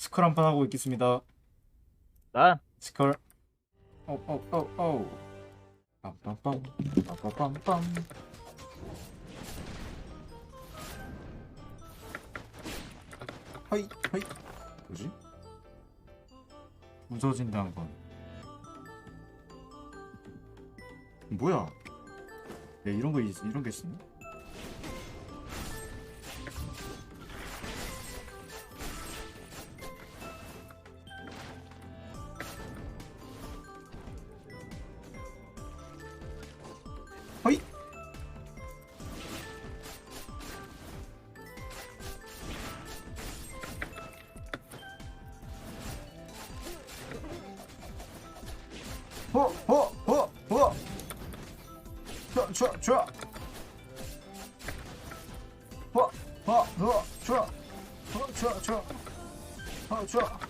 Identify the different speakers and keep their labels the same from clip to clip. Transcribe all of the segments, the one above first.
Speaker 1: 스컬 한 판 하고 있겠습니다.
Speaker 2: 난
Speaker 1: 스컬. 오오오오. 빰빰빰 빰빰빰빰. 허이 허이. 뭐지? 무서워진다는 건 뭐야? 야, 이런 거 이런 게 있었네. 허이. 허. 좋아. 좋아.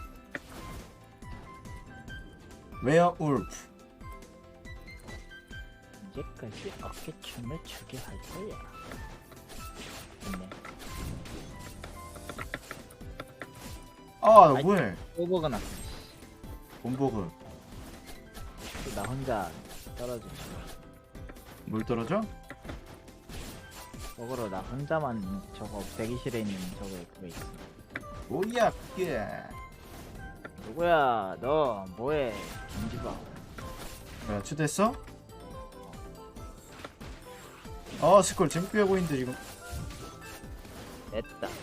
Speaker 1: 웨어울프.
Speaker 2: 이제까지 어깨춤을 추게 할 거야. 됐네.
Speaker 1: 아, 나 뭐해?
Speaker 2: 오버가 났어.
Speaker 1: 본보그.
Speaker 2: 나 혼자 떨어져.
Speaker 1: 뭘 떨어져?
Speaker 2: 저거로 나 혼자만 저거 대기실에 있는 저거 그거 있어.
Speaker 1: 뭐야 그게?
Speaker 2: 누구야? 너 뭐해? 김지바.
Speaker 1: 뭐야 초대했어? 스콜 재밌게 하고 있는데 지금.
Speaker 2: 됐다.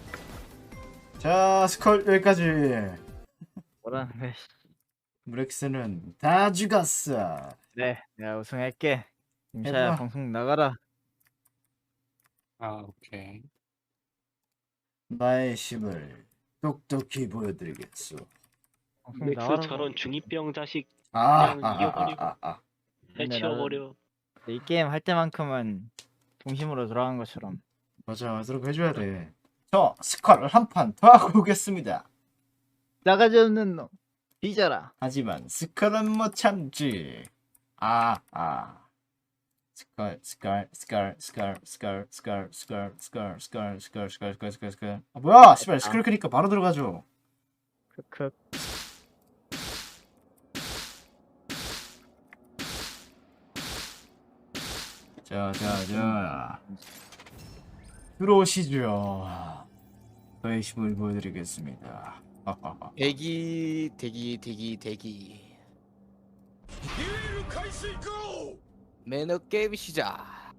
Speaker 1: 자 스콜 여기까지.
Speaker 2: 뭐라는 거야?
Speaker 1: 브렉스는 다 죽었어.
Speaker 2: 그래, 내가 우승할게.
Speaker 1: 해봐.
Speaker 2: 임샤야 방송 나가라.
Speaker 3: 아, 오케이.
Speaker 1: 나의 힘을 똑똑히 보여드리겠소.
Speaker 2: 방송
Speaker 4: 맥스
Speaker 2: 나가라.
Speaker 4: 저런 중2병 자식
Speaker 1: 아,
Speaker 4: 그냥 이겨버리고.
Speaker 2: 근데
Speaker 4: 해치워버려.
Speaker 2: 이 게임 할 때만큼은 동심으로 돌아간 것처럼.
Speaker 1: 맞아, 그렇게 해줘야 돼. 저 스콜을 한 판 더 하고 오겠습니다.
Speaker 2: 나가지 없는 놈. 뒤져라.
Speaker 1: 하지만 스컬은 못 참지. 스컬. 아 뭐야? 씨발 스컬 크니까 바로 들어가죠.
Speaker 2: 크크.
Speaker 1: 자. 들어오시죠. 저의 힘을 보여드리겠습니다.
Speaker 5: 대기. 매너 게임 시작.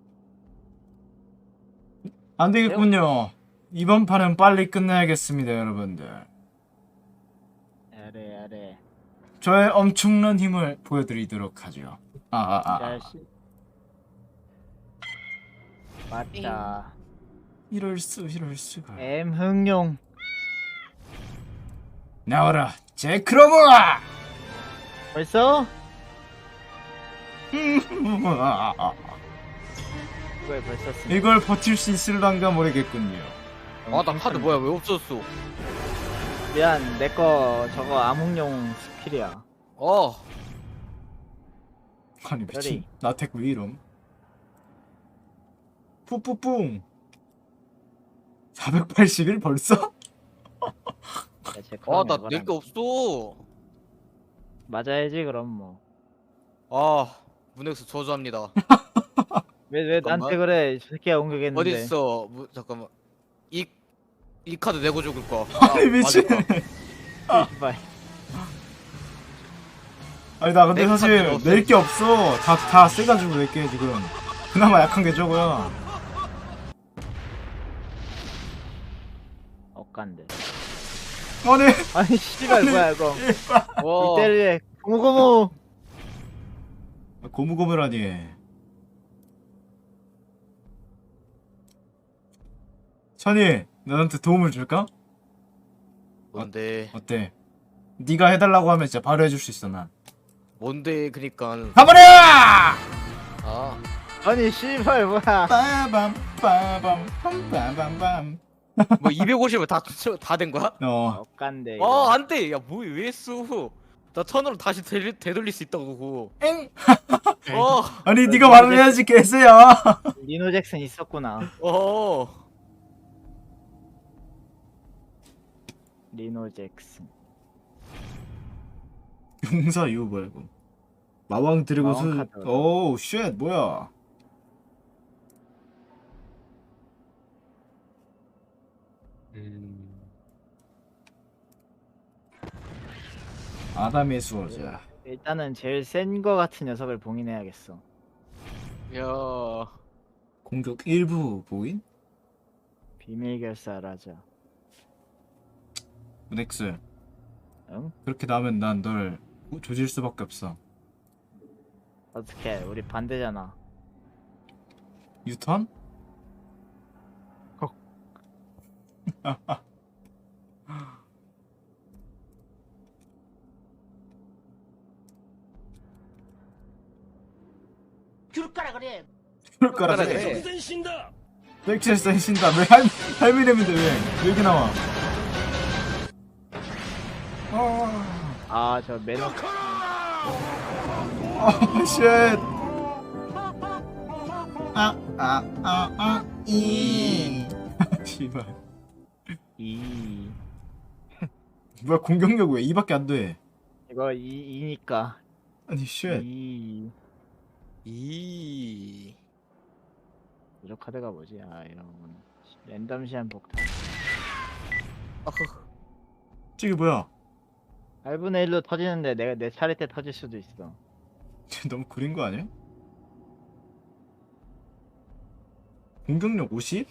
Speaker 1: 안 되겠군요. 이번 판은 빨리 끝내야겠습니다, 여러분들.
Speaker 2: 아래.
Speaker 1: 저의 엄청난 힘을 보여드리도록 하죠.
Speaker 2: 자식. 맞다.
Speaker 1: 이럴 수가.
Speaker 2: M 흥룡.
Speaker 1: 나와라, 제크로브아!
Speaker 2: 벌써? 이걸 벌써 쓰네.
Speaker 1: 이걸 버틸 수 있을란가 모르겠군요.
Speaker 5: 아 나 카드 뭐야 왜 없었어?
Speaker 2: 미안, 내거 저거 암흑룡 스킬이야.
Speaker 1: 아니 미친.
Speaker 2: 별이.
Speaker 1: 나택 왜 이럼? 뿌뿌뿡. 481 벌써?
Speaker 5: 나 낼 게 없어.
Speaker 2: 맞아야지 그럼 뭐.
Speaker 5: 문엑스 저주합니다.
Speaker 2: 왜
Speaker 5: 잠깐만.
Speaker 2: 나한테 그래? 저 새끼가 공격했는데.
Speaker 5: 어디 있어? 잠깐만. 이 카드 내고 죽을 거.
Speaker 1: 아니 미친.
Speaker 2: 씨발.
Speaker 1: 아니 나 근데
Speaker 5: 내
Speaker 1: 사실
Speaker 5: 카드는 없어.
Speaker 1: 낼 게 없어. 다 세가지고 낼게 지금. 그나마 약한 게 저거야.
Speaker 2: 억간데.
Speaker 1: 아니
Speaker 2: 아니 씨발 뭐야 이거.
Speaker 5: 와.
Speaker 2: 이때를 고무고무.
Speaker 1: 고무고무라니. 천이 너한테 도움을 줄까?
Speaker 5: 뭔데?
Speaker 1: 어때? 네가 해달라고 하면 진짜 바로 해줄 수 있어 난.
Speaker 5: 뭔데? 그니까.
Speaker 1: 가버려!
Speaker 2: 아니 씨발 뭐야.
Speaker 1: 빠밤 빰빰빰빰빰.
Speaker 5: 뭐 250을 다 된 거야?
Speaker 2: 억간데. 이거.
Speaker 5: 안돼. 야, 뭐 왜 했어? 나 턴으로 다시 되돌릴 수 있다고 그거.
Speaker 1: 엥?
Speaker 5: 어.
Speaker 1: 아니 네가 말을 해야지 개새야.
Speaker 2: 리노 잭슨 있었구나. 리노 잭슨.
Speaker 1: 용사 유 뭐야 이거? 마왕 드래곤
Speaker 2: 마왕
Speaker 1: 수.
Speaker 2: 카드.
Speaker 1: 오우 쉣 뭐야? 아담의 수호자.
Speaker 2: 일단은 제일 센 거 같은 녀석을 봉인해야겠어.
Speaker 5: 야.
Speaker 1: 공격 일부 보인?
Speaker 2: 비밀 결사라자.
Speaker 1: 넥스.
Speaker 2: 응?
Speaker 1: 그렇게 나오면 난 널 조질 수밖에 없어.
Speaker 2: 어떻게? 우리 반대잖아.
Speaker 1: 유턴?
Speaker 3: 줄 거라 그래.
Speaker 1: 그럴 거라
Speaker 5: 그래.
Speaker 1: 그래. 넥스 센신다. 왜 할미렘인데 왜 여기 나와?
Speaker 2: 아, 저 매너.
Speaker 1: 쉣. 이. 씨발.
Speaker 2: 이.
Speaker 1: 뭐야 공격력 왜 2밖에 안 돼?
Speaker 2: 이거 이니까.
Speaker 1: 아니 쉣.
Speaker 5: 이.
Speaker 2: 이런 카드가 뭐지? 아, 이런 건 랜덤 시한 폭탄.
Speaker 1: 저게 뭐야?
Speaker 2: 8분의 1로 터지는데 내가 내 차례 때 터질 수도 있어.
Speaker 1: 너무 구린 거 아니야? 공격력 50?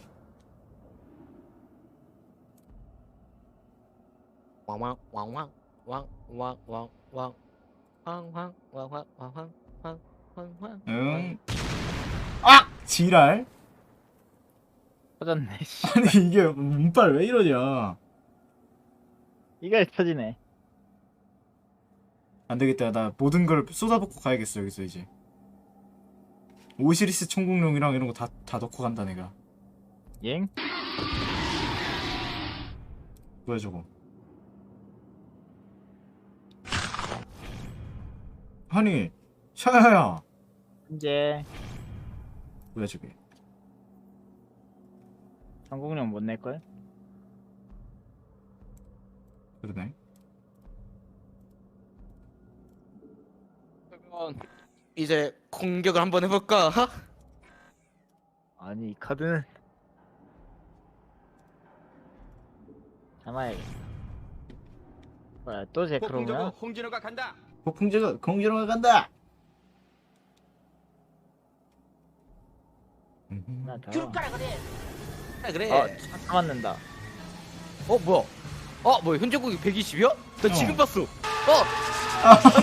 Speaker 5: 왕왕 왕왕 왕왕왕왕 왕왕 왕왕 왕왕 왕왕.
Speaker 1: 응. 아! 지랄?
Speaker 2: 터졌네. 씨.
Speaker 1: 아니 이게 운빨 왜 이러냐?
Speaker 2: 이걸 터지네.
Speaker 1: 안 되겠다. 나 모든 걸 쏟아붓고 가야겠어 여기서 이제. 오시리스 총공룡이랑 이런 거 다 넣고 간다 내가.
Speaker 2: 엥?
Speaker 1: 뭐야 저거? 아니 샤야야.
Speaker 2: 현재
Speaker 1: 뭐야 저게?
Speaker 2: 성공력 못 낼걸?
Speaker 1: 그러네.
Speaker 5: 그러면 이제 공격을 한번 해볼까?
Speaker 2: 아니 이 카드는 참아야겠다. 뭐야 또 제크로냐?
Speaker 3: 홍진호가 간다.
Speaker 1: 폭풍제가 공주로가 간다.
Speaker 2: 하나 더.
Speaker 3: 줄 거라 그래.
Speaker 5: 그래.
Speaker 2: 어, 참았는다.
Speaker 5: 뭐야? 뭐야? 현재 공격 120이야? 나 지금 봤어. 아니.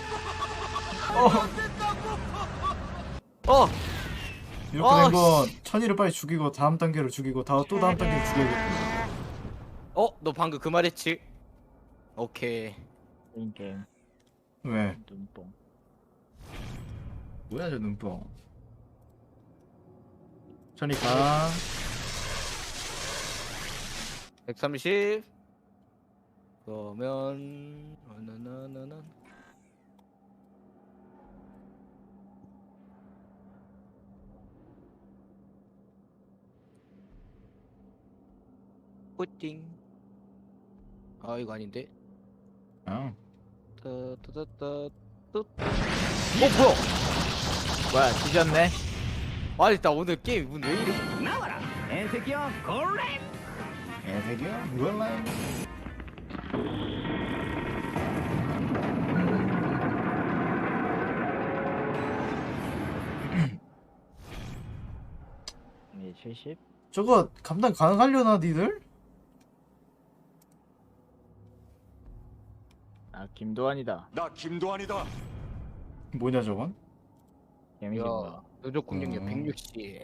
Speaker 1: 이렇게
Speaker 5: 아,
Speaker 1: 된 건 천이를 빨리 죽이고 다음 단계로 죽이고 또 다음 단계로 죽여야겠구나.
Speaker 5: 너 방금 그 말했지? 오케이.
Speaker 2: 게임
Speaker 1: 왜?
Speaker 2: 눈뽕.
Speaker 1: 뭐야 저 눈뽕. 천이 가.
Speaker 5: 130. 그러면 나나나나. 뿌띵. 이거 아닌데.
Speaker 1: 어.
Speaker 5: 따따따따.
Speaker 2: 뭐야 뒤졌네?
Speaker 5: 아니 나 오늘 게임 문 왜 이래?
Speaker 1: 애새끼야 몰라.
Speaker 2: 네 70?
Speaker 1: 저거 감당 가능하려나 니들?
Speaker 2: 아 김도환이다.
Speaker 6: 나 김도환이다.
Speaker 1: 뭐냐 저건?
Speaker 2: 개미인가?
Speaker 5: 누적 공격력
Speaker 1: 어.
Speaker 5: 160.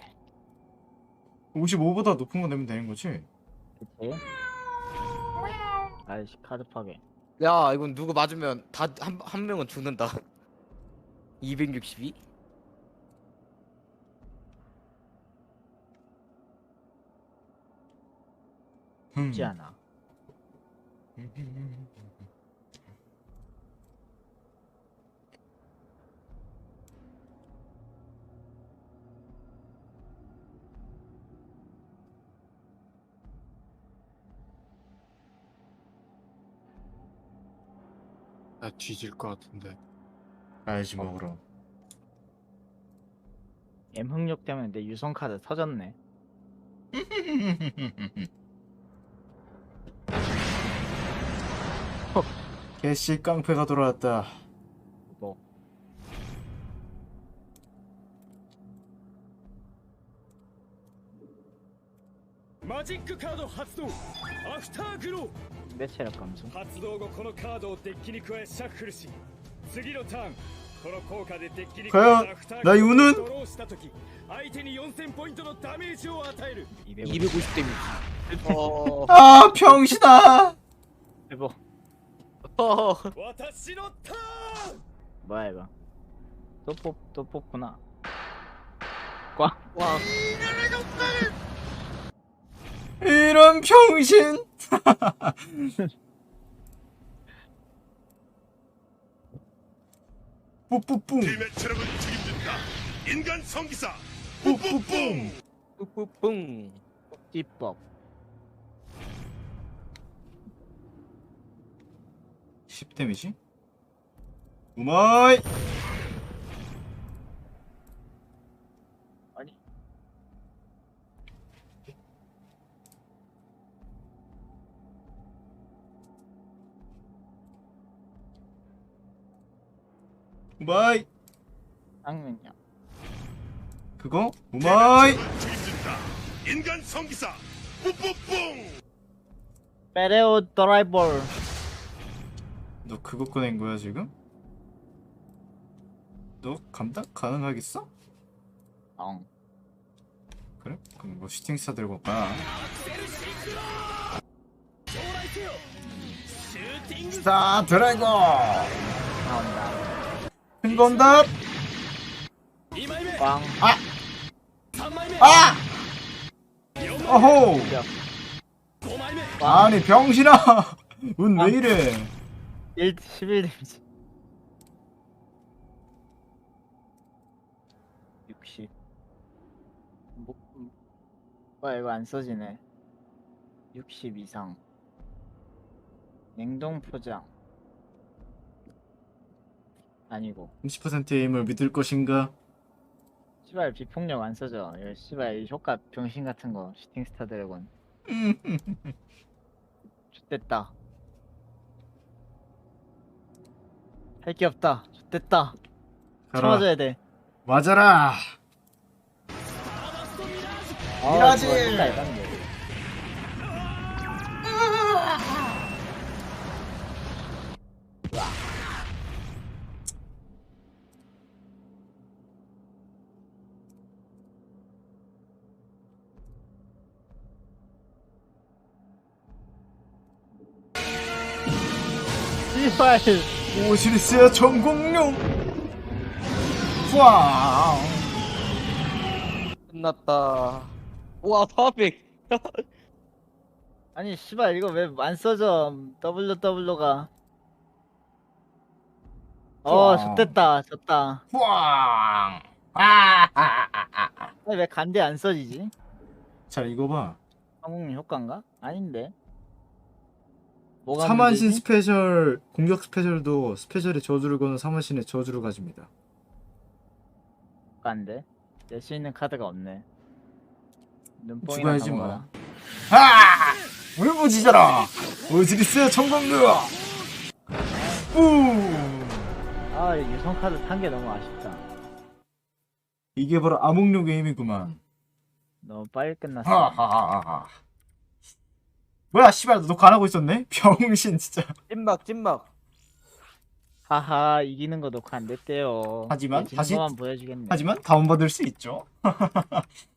Speaker 1: 55보다 높은 거 내면 되는 거지?
Speaker 2: 그치? 아이씨 카드 파괴.
Speaker 5: 야 이건 누구 맞으면 다 한 명은 죽는다. 262?
Speaker 2: 쉽지 않아.
Speaker 6: 나 뒤질 것 같은데.
Speaker 1: 가야지 먹으러.
Speaker 2: M흑력 때문에 내 유성 카드 터졌네.
Speaker 1: 개씨 깡패가 돌아왔다.
Speaker 2: 뭐
Speaker 7: マジックカード発動アフターグロ
Speaker 2: 내 체력 감소.
Speaker 7: ー発動後このカードをデッキに加えシャッフルし次のターンこの効果でデッキに加え
Speaker 1: 과연
Speaker 7: たアフター
Speaker 1: 나
Speaker 7: グロ
Speaker 1: 이거는
Speaker 7: ーをドローした時相手に4000ポイントのダメージを与える
Speaker 5: 250 데미지. 어.
Speaker 1: 아 병신아.
Speaker 2: 대박.
Speaker 5: 어.
Speaker 7: 私のターン
Speaker 2: 뭐야 이거? 또 뽑구나. 꽝.
Speaker 5: 와.
Speaker 1: 이런 병신. 뿌뿌뿡.
Speaker 8: 팀의 체력은 책임진다. 인간 성기사
Speaker 1: 뿌뿌뿡.
Speaker 5: 뿌뿌뿡.
Speaker 2: 띠법.
Speaker 1: 10 데미지? 우마이.
Speaker 2: 아니.
Speaker 1: 우마이.
Speaker 2: 쌍면이야.
Speaker 1: 그거?
Speaker 8: 팀의
Speaker 1: 우마이.
Speaker 8: 체력은 책임진다. 인간 성기사 뿌뿌뿡.
Speaker 2: 페레오 드라이버.
Speaker 1: 너 그거 꺼낸 거야 지금? 너 감당 가능하겠어?
Speaker 2: 엉.
Speaker 1: 그래? 그럼 뭐 슈팅스타 들고 가. 스타 드래곤.
Speaker 2: 나온다.
Speaker 1: 큰 건답.
Speaker 7: 2枚目
Speaker 2: 꽝.
Speaker 7: 3枚目
Speaker 1: 아! 어호.
Speaker 7: 5枚目
Speaker 1: 아니 병신아. 운 왜 이래?
Speaker 2: 11 데미지. 60. 뭐야 이거 안 써지네. 60 이상. 냉동 포장. 아니고.
Speaker 1: 30%의 힘을 믿을 것인가?
Speaker 2: 시발 비폭력 안 써져. 이거 시발 이 효과 병신 같은 거. 슈팅스타 드래곤. X됐다. 할 게 없다. X됐다.
Speaker 1: 가라.
Speaker 2: 참아줘야 돼.
Speaker 1: 맞아라. 미라지.
Speaker 2: 효과 예반데. 시발.
Speaker 1: 오시리스의 전공룡. 와.
Speaker 5: 끝났다. 와, 400.
Speaker 2: 아니 씨발 이거 왜 안 써져? WW가.
Speaker 1: 좋아.
Speaker 2: X됐다. 졌다.
Speaker 1: 와.
Speaker 2: 아니 왜 간대 안 써지지?
Speaker 1: 자 이거 봐.
Speaker 2: 성공 효과인가? 아닌데. 뭐가
Speaker 1: 사만신
Speaker 2: 문제지?
Speaker 1: 스페셜 공격 스페셜도 스페셜의 저주를 거는 사만신의 저주를 가집니다.
Speaker 2: 효과인데. 낼 수 있는 카드가 없네. 눈뽕이나
Speaker 1: 죽어야지
Speaker 2: 감아라.
Speaker 1: 뭐. 하! 울부짖어라. 오시리스의 전공룡. 우.
Speaker 2: 아 유성 카드 탄 게 너무 아쉽다.
Speaker 1: 이게 바로 암흑룡의 힘이구만.
Speaker 2: 너무 빨리 끝났어.
Speaker 1: 하하하하. 뭐야 씨발 너 녹화 안 하고 있었네? 병신 진짜.
Speaker 5: 찐막.
Speaker 2: 하하 이기는 거 녹화 안 됐대요.
Speaker 1: 하지만
Speaker 2: 이제
Speaker 1: 다시-
Speaker 2: 지는 거만 보여주겠네.
Speaker 1: 하지만 다운받을 수 있죠.